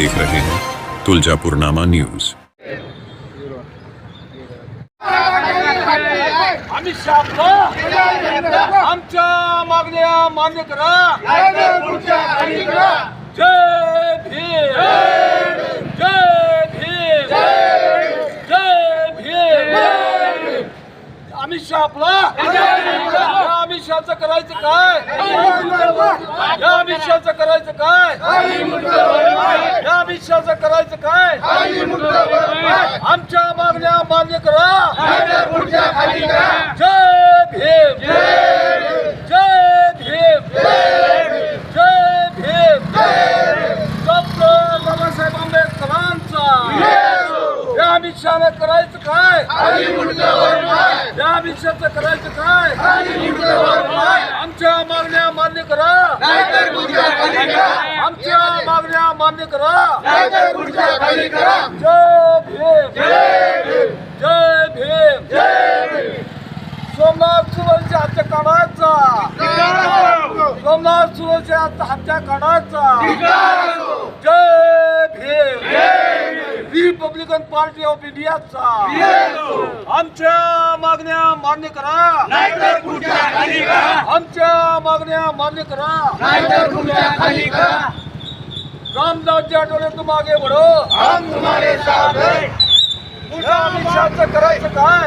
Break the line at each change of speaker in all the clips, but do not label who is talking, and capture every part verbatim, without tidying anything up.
देख रहे हैं तुलजापुरनामा न्यूज।
अमित शहा आमच्या मागण्या मान्य करा। जय भीम, जय भीम, जय भीम। अमित शहा आपला अमित शहाचं करायचं काय? या अमित शहाचं करायचं काय? या अमित शहाचं करायचं काय? आमच्या मागण्या मान्य करा। जय भीम, जय भीम, जय भीम। डॉक्टर बाबासाहेब आंबेडकरांचा या अमित शहाने करायचं काय? या अमित शहाचं करायचं काय? आमच्या मागण्या मान्य करा। आमच्या मागण्या मान्य करा। जय भीम, जय भीम। सोमनाथ सुरेशच्या हत्या काढायचा। सोमनाथ सुरेशच्या हत्या काढायचा। जय भीम। रिपब्लिकन पार्टी ऑफ इंडियाचा आमच्या मागण्या मान्य करा। आमच्या मागण्या मान्य करा। रामदास जी आठवले तुम आगे बढ़ो, हम तुम्हारे साथ हैं। अमित शहाचं करायचं काय?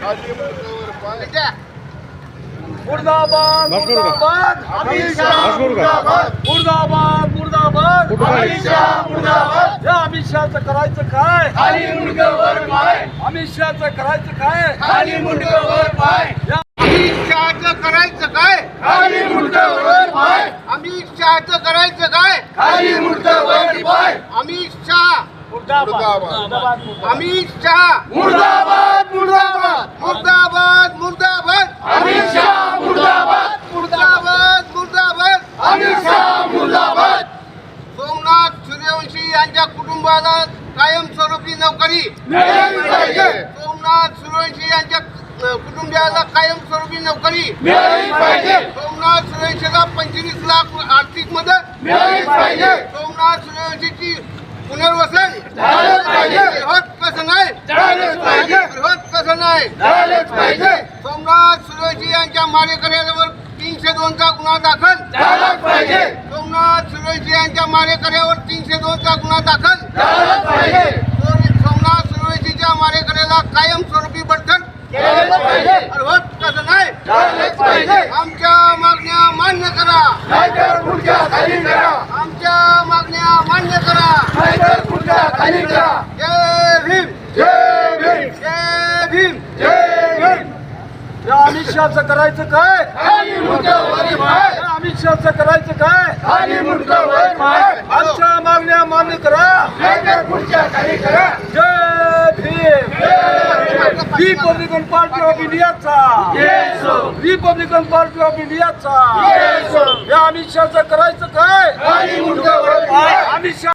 मुर्दाबाद, मुर्दाबाद, अमित शहा मुर्दाबाद, मुर्दाबाद, मुर्दाबाद, अमित शहा मुर्दाबाद। या अमित शहाचं करायचं काय? खाली मुंडकं वर पाय। अमित शहाचं करायचं काय? खाली मुंडकं वर पाय। अमित शहाचं करायचं काय? खाली मुंडकं वर पाय। अमित शहाचं करायचं काय? खाली मुंडकं वर पाय। अमित शहा मुर्दाबाद, अमित शहा मुर्दाबाद, मुर्दाबाद, मुर्दाबाद, मुर्दाबाद, अमित शहा मुर्दाबाद, मुर्दाबाद, मुर्दाबाद, अमित शहा मुर्दाबाद। सोमनाथ सूर्यवंशी यांच्या कुटुंबाला कायमस्वरूपी नोकरी मिळाली पाहिजे। सोमनाथ सूर्यवंशी यांच्या कुटुंबियाला कायमस्वरूपी नोकरी मिळाली पाहिजे। सोमनाथ सूर्यवंशीला पंचवीस लाख आर्थिक मदत मिळाली पाहिजे। सोमनाथ सूर्यवंशीची पुनर्वसन झालंच पाहिजे। होत कसं नाही झालंच पाहिजे। होत कसं नाही झालंच पाहिजे। सोमनाथ सूर्यवंशी यांच्या मारेकऱ्यावर तीनशे दोनचा गुन्हा दाखल झालाच पाहिजे। सोमनाथ सूर्यवंशी यांच्या मारेकऱ्यावर तीनशे दोनचा गुन्हा दाखल झालाच पाहिजे। सोमनाथ सूर्यवंशीच्या मारेकऱ्याला कायमस्वरूपी बढती केलं पाहिजे। होत कसं नाही झालंच पाहिजे। आमच्या मागण्या मान्य करा, नाहीतर खुर्च्या खाली करा। आमच्या मागण्या मान्य करा, नाहीतर खुर्च्या खाली करा। जय भीम, जय भीम, जय भीम, जय भीम। या अमित शहाचं करायचं काय? खाली मुंडकं वर पाय। या अमित शहाचं करायचं काय? खाली मुंडकं वर पाय। आमच्या मागण्या मान्य करा, नाहीतर खुर्च्या खाली करा। जय भीम, रिपब्लिकन पार्टी ऑफ इंडियाचा रिपब्लिकन पार्टी ऑफ इंडियाचा या अमित शहाचं करायचं काय? खाली मुंडकं वर पाय। अमित शहा